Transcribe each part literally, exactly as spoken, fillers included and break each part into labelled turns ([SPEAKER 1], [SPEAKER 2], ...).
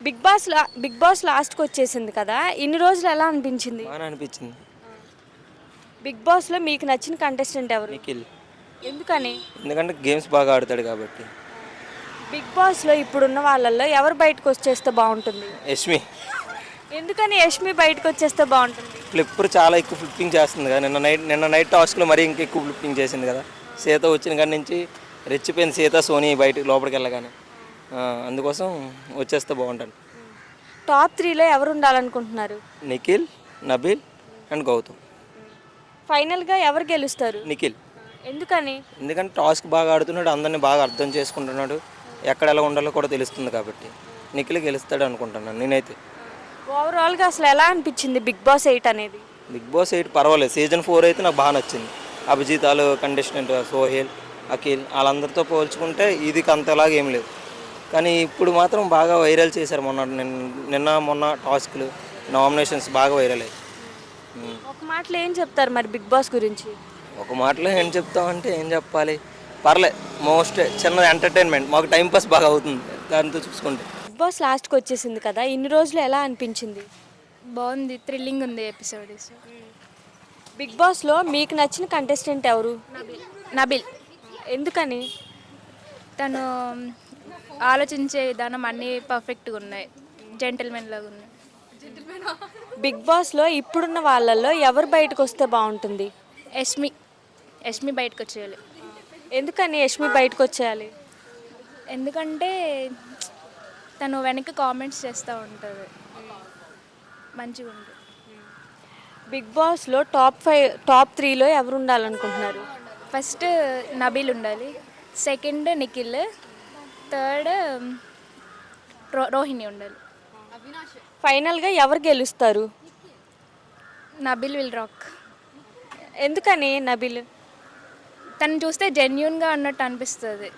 [SPEAKER 1] Big boss లా big boss లాస్ట్కి వచ్చేసింది కదా, ఇన్ని రోజులు ఎలా అనిపించింది?
[SPEAKER 2] బాగా అనిపించింది.
[SPEAKER 1] బిగ్ బాస్లో మీకు నచ్చిన కంటెస్టెంట్ ఎవరు?
[SPEAKER 2] నిఖిల్.
[SPEAKER 1] ఎందుకని?
[SPEAKER 2] ఎందుకంటే గేమ్స్ బాగా ఆడతాడు కాబట్టి.
[SPEAKER 1] బిగ్ బాస్లో ఇప్పుడున్న వాళ్ళల్లో ఎవరు బయటకు వచ్చేస్తే బాగుంటుంది?
[SPEAKER 2] యష్మి.
[SPEAKER 1] ఎందుకని యష్మి బయటకు వచ్చేస్తే బాగుంటుంది?
[SPEAKER 2] ఫ్లిప్పర్ చాలా ఎక్కువ ఫ్లిప్పింగ్ చేస్తుంది కదా. నిన్న నైట్ నిన్న నైట్ టాస్క్లో మరీ ఇంకా ఎక్కువ ఫ్లిప్పింగ్ చేసింది కదా. సీత వచ్చిన కాడి నుంచి రెచ్చిపోయిన సీత సోనీ బయటకు లోపలికి వెళ్ళగానే ఆ, అందుకోసం వచ్చేస్తే బాగుంటాను.
[SPEAKER 1] టాప్ త్రీలో ఎవరు ఉండాలనుకుంటున్నారు?
[SPEAKER 2] నిఖిల్, నబీల్ అండ్ గౌతమ్.
[SPEAKER 1] ఫైనల్గా ఎవరు గెలుస్తారు?
[SPEAKER 2] నిఖిల్.
[SPEAKER 1] ఎందుకని?
[SPEAKER 2] ఎందుకంటే టాస్క్ బాగా ఆడుతున్నాడు, అందరినీ బాగా అర్థం చేసుకుంటున్నాడు, ఎక్కడ ఎలా ఉండాలో కూడా తెలుస్తుంది కాబట్టి నిఖిల్ గెలుస్తాడు అనుకుంటున్నాను నేనైతే.
[SPEAKER 1] ఓవరాల్గా అసలు ఎలా అనిపించింది బిగ్ బాస్ ఎయిట్ అనేది?
[SPEAKER 2] బిగ్ బాస్ ఎయిట్ పర్వాలేదు. సీజన్ ఫోర్ అయితే నాకు బాగా నచ్చింది. అభిజితాలు కంటెస్టెంట్ సోహెల్, అఖిల్ వాళ్ళందరితో పోల్చుకుంటే ఇది అంతలాగా ఏం లేదు. కానీ ఇప్పుడు మాత్రం బాగా వైరల్ చేశారు. మొన్న నిన్న నిన్న మొన్న టాస్క్లు నామినేషన్స్ బాగా వైరల్ అయ్యాయి.
[SPEAKER 1] ఒక మాటలో ఏం చెప్తారు మరి బిగ్ బాస్ గురించి?
[SPEAKER 2] ఒక మాటలో ఏం చెప్తామంటే ఏం చెప్పాలి, పర్లే, మోస్ట్ చిన్న ఎంటర్టైన్మెంట్, మాకు టైంపాస్ బాగా అవుతుంది దాంతో చూసుకుంటే.
[SPEAKER 1] బిగ్ బాస్ లాస్ట్కి వచ్చేసింది కదా, ఇన్ని రోజులు ఎలా అనిపించింది?
[SPEAKER 3] బాగుంది, థ్రిల్లింగ్ ఉంది ఎపిసోడ్.
[SPEAKER 1] బిగ్ బాస్లో మీకు నచ్చిన కంటెస్టెంట్ ఎవరు?
[SPEAKER 3] నబిల్.
[SPEAKER 1] ఎందుకని?
[SPEAKER 3] తను ఆలోచించే విధానం అన్నీ పర్ఫెక్ట్గా ఉన్నాయి, జెంటిల్మెన్ లాగా ఉన్నాయి.
[SPEAKER 1] బిగ్ బాస్లో ఇప్పుడున్న వాళ్ళల్లో ఎవరు బయటకు వస్తే బాగుంటుంది?
[SPEAKER 3] యష్మి యష్మి బయటకు వచ్చేయాలి.
[SPEAKER 1] ఎందుకని యష్మి బయటకు వచ్చేయాలి?
[SPEAKER 3] ఎందుకంటే తను వెనక్కి కామెంట్స్ చేస్తూ ఉంటుంది, మంచిగా ఉంటుంది.
[SPEAKER 1] బిగ్ బాస్లో టాప్ ఫైవ్ టాప్ త్రీలో ఎవరు ఉండాలనుకుంటున్నారు?
[SPEAKER 3] ఫస్ట్ నబీల్ ఉండాలి, second Nikhil, third row Rohini ఉండాలి.
[SPEAKER 1] ఫైనల్గా ఎవరు గెలుస్తారు?
[SPEAKER 3] Nabeel will rock.
[SPEAKER 1] ఎందుకని నబిల్?
[SPEAKER 3] తను చూస్తే జెన్యున్గా అన్నట్టు అనిపిస్తుంది,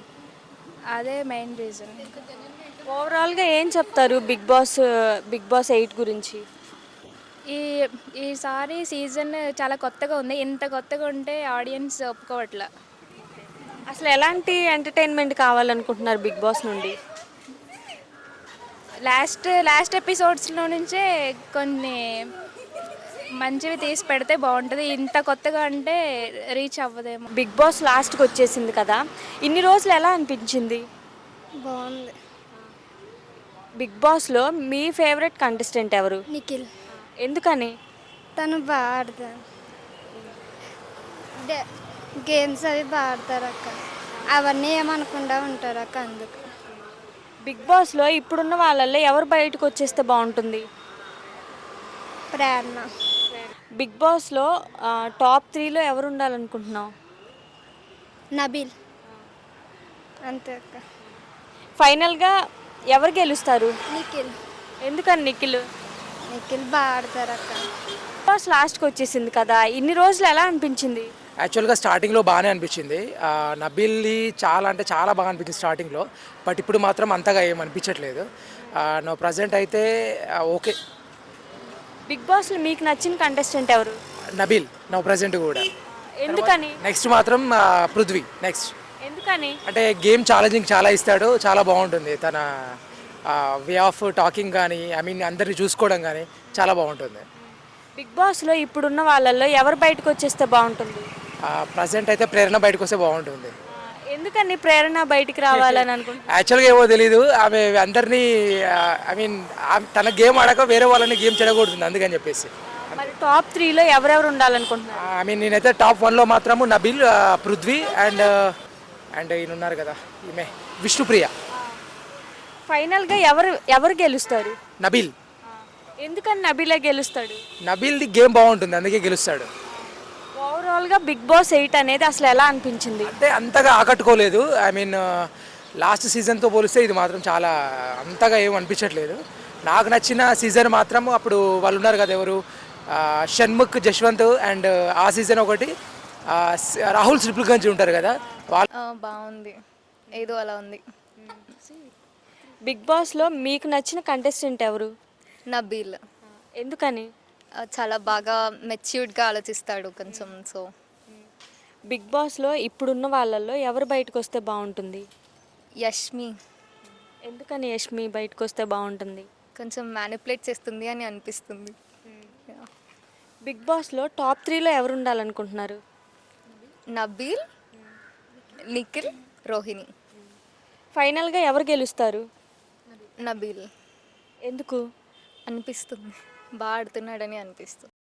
[SPEAKER 3] అదే మెయిన్ రీజన్.
[SPEAKER 1] ఓవరాల్గా ఏం చెప్తారు big boss big boss eight గురించి?
[SPEAKER 3] ఈ ఈసారి సీజన్ చాలా కొత్తగా ఉంది, ఇంత కొత్తగా ఉంటే ఆడియన్స్ ఒప్పుకోవట్లే.
[SPEAKER 1] అసలు ఎలాంటి ఎంటర్టైన్మెంట్ కావాలనుకుంటున్నారు బిగ్ బాస్ నుండి?
[SPEAKER 3] లాస్ట్ లాస్ట్ ఎపిసోడ్స్లో నుంచే కొన్ని మంచివి తీసి పెడితే బాగుంటుంది, ఇంత కొత్తగా అంటే రీచ్ అవ్వదేమో.
[SPEAKER 1] బిగ్ బాస్ లాస్ట్కి వచ్చేసింది కదా, ఇన్ని రోజులు ఎలా అనిపించింది?
[SPEAKER 4] బాగుంది.
[SPEAKER 1] బిగ్ బాస్లో మీ ఫేవరెట్ కంటెస్టెంట్ ఎవరు?
[SPEAKER 4] నిఖిల్.
[SPEAKER 1] ఎందుకని?
[SPEAKER 4] తను బాగా ఆడతారు, డే గేమ్స్ అవి బాగా ఆడతారు అక్క, అవన్నీ ఏమనకుండా ఉంటారు అక్క, అందుకు.
[SPEAKER 1] బిగ్ బాస్లో ఇప్పుడున్న వాళ్ళల్లో ఎవరు బయటకు వచ్చేస్తే బాగుంటుంది?
[SPEAKER 4] ప్రేరణ.
[SPEAKER 1] బిగ్ బాస్లో ఆ, టాప్ త్రీలో ఎవరు ఉండాలనుకుంటున్నావు?
[SPEAKER 4] నబీల్. అంతే అక్క.
[SPEAKER 1] ఫైనల్గా ఎవరు గెలుస్తారు?
[SPEAKER 4] నిఖిల్.
[SPEAKER 1] ఎందుకని నిఖిల్?
[SPEAKER 4] నిఖిల్ బాగా ఆడతారు అక్క.
[SPEAKER 1] బిగ్ బాస్ లాస్ట్కి వచ్చేసింది కదా, ఇన్ని రోజులు ఎలా అనిపించింది?
[SPEAKER 5] యాక్చువల్గా స్టార్టింగ్లో బాగానే అనిపించింది. ఆ, నబీల్ది చాలా అంటే చాలా బాగా అనిపించింది స్టార్టింగ్లో, బట్ ఇప్పుడు మాత్రం అంతగా ఏం అనిపించట్లేదు. నో ప్రజెంట్ అయితే ఆ, ఓకే.
[SPEAKER 1] బిగ్ బాస్లో మీకు నచ్చిన కంటెస్టెంట్ ఎవరు?
[SPEAKER 5] నబీల్ నో ప్రజెంట్ కూడా.
[SPEAKER 1] ఎందుకని?
[SPEAKER 5] నెక్స్ట్ మాత్రం ఆ, పృథ్వీ నెక్స్ట్.
[SPEAKER 1] ఎందుకని?
[SPEAKER 5] అంటే గేమ్ ఛాలెంజింగ్ చాలా ఇస్తాడు, చాలా బాగుంటుంది తన వే ఆఫ్ టాకింగ్ కానీ, ఐ మీన్ అందరిని చూసుకోవడం కానీ చాలా బాగుంటుంది.
[SPEAKER 1] బిగ్ బాస్లో ఇప్పుడున్న వాళ్ళల్లో ఎవరు బయటకు వచ్చేస్తే బాగుంటుంది?
[SPEAKER 5] ప్రజెంట్ అయితే ప్రేరణ బయటకు వస్తే బాగుంటుంది.
[SPEAKER 1] ఎందుకని ప్రేరణ బయటికి రావాలని అనుకుంటున్నా?
[SPEAKER 5] యాక్చువల్గా ఏమో తెలీదు, ఆమె అందరినీ ఐ మీన్ తన గేమ్ ఆడక వేరే వాళ్ళని గేమ్ చెడగొడుతుంది, అందుకని చెప్పేసి.
[SPEAKER 1] మరి టాప్ త్రీలో ఎవరెవరు ఉండాలనుకుంటున్నారు?
[SPEAKER 5] ఐ మీన్ నేనైతే టాప్ వన్లో మాత్రము నబీల్, ఆ, పృథ్వీ అండ్ అండ్ ఈయన ఉన్నారు కదా ఈమె విష్ణుప్రియ.
[SPEAKER 1] ఫైనల్గా ఎవరు ఎవరు గెలుస్తారు?
[SPEAKER 5] నబీల్.
[SPEAKER 1] ఎందుకని నబీలే గెలుస్తాడు?
[SPEAKER 5] నబీల్ది గేమ్ బాగుంటుంది, అందుకే గెలుస్తాడు.
[SPEAKER 1] ఓవరాల్గా బిగ్ బాస్ ఎయిట్ అనేది అసలు ఎలా అనిపించింది?
[SPEAKER 5] అంటే అంతగా ఆకట్టుకోలేదు. ఐ మీన్ లాస్ట్ సీజన్తో పోలిస్తే ఇది మాత్రం చాలా అంతగా ఏం అనిపించట్లేదు. నాకు నచ్చిన సీజన్ మాత్రం అప్పుడు వాళ్ళు ఉన్నారు కదా ఎవరు, ఆ, షణ్ముఖ్, జశ్వంత్ అండ్ ఆ సీజన్ ఒకటి, ఆ, రాహుల్ సిప్లిగంజ్ ఉంటారు కదా వాళ్ళు.
[SPEAKER 3] బాగుంది, ఏదో అలా ఉంది.
[SPEAKER 1] బిగ్ బాస్లో మీకు నచ్చిన కంటెస్టెంట్ ఎవరు?
[SPEAKER 6] నబీల్.
[SPEAKER 1] ఎందుకని?
[SPEAKER 6] ఆ, చాలా బాగా మెచ్యూర్డ్గా ఆలోచిస్తాడు కొంచెం. సో
[SPEAKER 1] బిగ్ బాస్లో ఇప్పుడున్న వాళ్ళల్లో ఎవరు బయటకు వస్తే బాగుంటుంది?
[SPEAKER 6] యష్మి.
[SPEAKER 1] ఎందుకని యష్మి బయటకు వస్తే బాగుంటుంది?
[SPEAKER 6] కొంచెం మ్యానిపులేట్ చేస్తుంది అని అనిపిస్తుంది. Yeah.
[SPEAKER 1] బిగ్ బాస్లో టాప్ త్రీలో ఎవరు ఉండాలనుకుంటున్నారు?
[SPEAKER 6] నబీల్, నిఖిల్, రోహిణి.
[SPEAKER 1] ఫైనల్గా ఎవరు గెలుస్తారు?
[SPEAKER 6] నబీల్
[SPEAKER 1] ఎందుకు?
[SPEAKER 6] అనిపిస్తుంది, బాగా ఆడుతున్నాడని అనిపిస్తుంది.